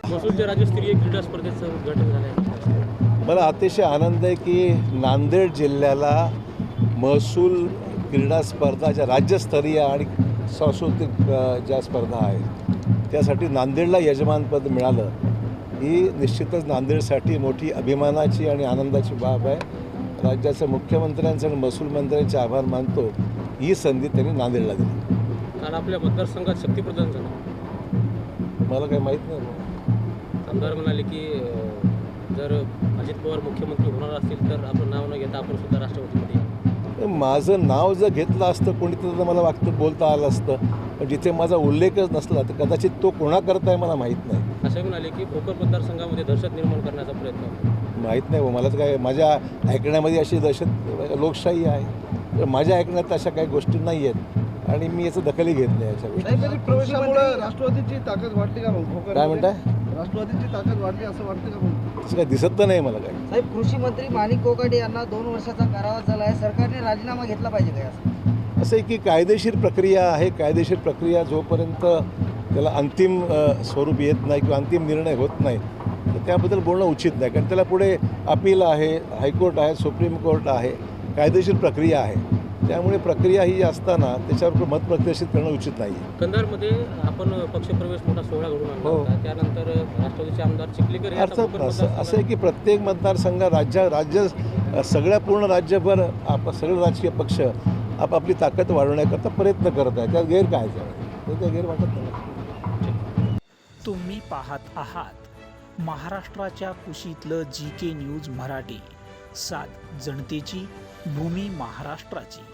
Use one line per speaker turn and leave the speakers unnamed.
महसूलच्या राज्यस्तरीय क्रीडा स्पर्धेचं उद्घाटन झालं आहे.
मला अतिशय आनंद आहे की नांदेड जिल्ह्याला महसूल क्रीडा स्पर्धा ज्या राज्यस्तरीय आणि सांस्कृतिक ज्या स्पर्धा आहेत त्यासाठी नांदेडला यजमानपद मिळालं ही निश्चितच नांदेडसाठी मोठी अभिमानाची आणि आनंदाची बाब आहे. राज्याच्या मुख्यमंत्र्यांचे आणि महसूल मंत्र्यांचे आभार मानतो. ही संधी त्यांनी नांदेडला दिली.
काल आपल्या मतदारसंघात शक्तीप्रदान झालं.
मला काही माहीत नाही.
आमदार म्हणाले की जर अजित पवार मुख्यमंत्री होणार असतील तर आपलं नाव न घेता आपण सुद्धा राष्ट्रवादीमध्ये या.
माझं नाव जर घेतलं असतं कोणी तर मला वाटतं बोलता आलं असतं. पण जिथे माझा उल्लेखच नसला तर कदाचित तो कोणाकरता आहे मला माहीत नाही.
असं म्हणाले की भोकर मतदारसंघामध्ये दहशत निर्माण करण्याचा प्रयत्न.
माहीत नाही. मला तर काय माझ्या ऐकण्यामध्ये अशी दहशत लोकशाही आहे तर माझ्या ऐकण्यात अशा काही गोष्टी नाही आहेत आणि मी याचं दखलही घेत नाही याच्या गोष्टी.
प्रवेशामुळे राष्ट्रवादीची ताकद वाढली का मग?
काय म्हणताय?
राष्ट्रवादीची ताकद वाढली असं वाटतं का मग?
तसं काय दिसत तर नाही मला काय.
साहेब, कृषी मंत्री माणिक कोकाटे यांना 2 वर्षाचा कारावास झाला आहे. सरकारने राजीनामा घेतला पाहिजे काय असं?
असं आहे की कायदेशीर प्रक्रिया आहे. कायदेशीर प्रक्रिया जोपर्यंत त्याला अंतिम स्वरूप येत नाही किंवा अंतिम निर्णय होत नाही तर त्याबद्दल बोलणं उचित नाही. कारण त्याला पुढे अपील आहे, हायकोर्ट आहे, सुप्रीम कोर्ट आहे, कायदेशीर प्रक्रिया आहे. त्यामुळे प्रक्रिया ही असताना त्याच्यावर मत प्रदर्शित करणं उचित नाही.
कंधारमध्ये आपण पक्षप्रवेश मोठा सोहळा घडून आणला
हो.
होता. त्यानंतर राष्ट्रवादीचे आमदार चिखलीकर हे आता
अर्थात
भोकर
असं
मतदारसंघात-
आहे की प्रत्येक मतदारसंघ राज्य सगळ्या पूर्ण राज्यभर सगळे राजकीय पक्ष आपापली ताकद वाढवण्याकरता प्रयत्न करत आहे. त्यात गैर काय आहे? त्या गैर वाटत नाही.
तुम्ही पाहत आहात महाराष्ट्राच्या कुशीतलं GK न्यूज मराठी. सात जनतेची, भूमी महाराष्ट्राची.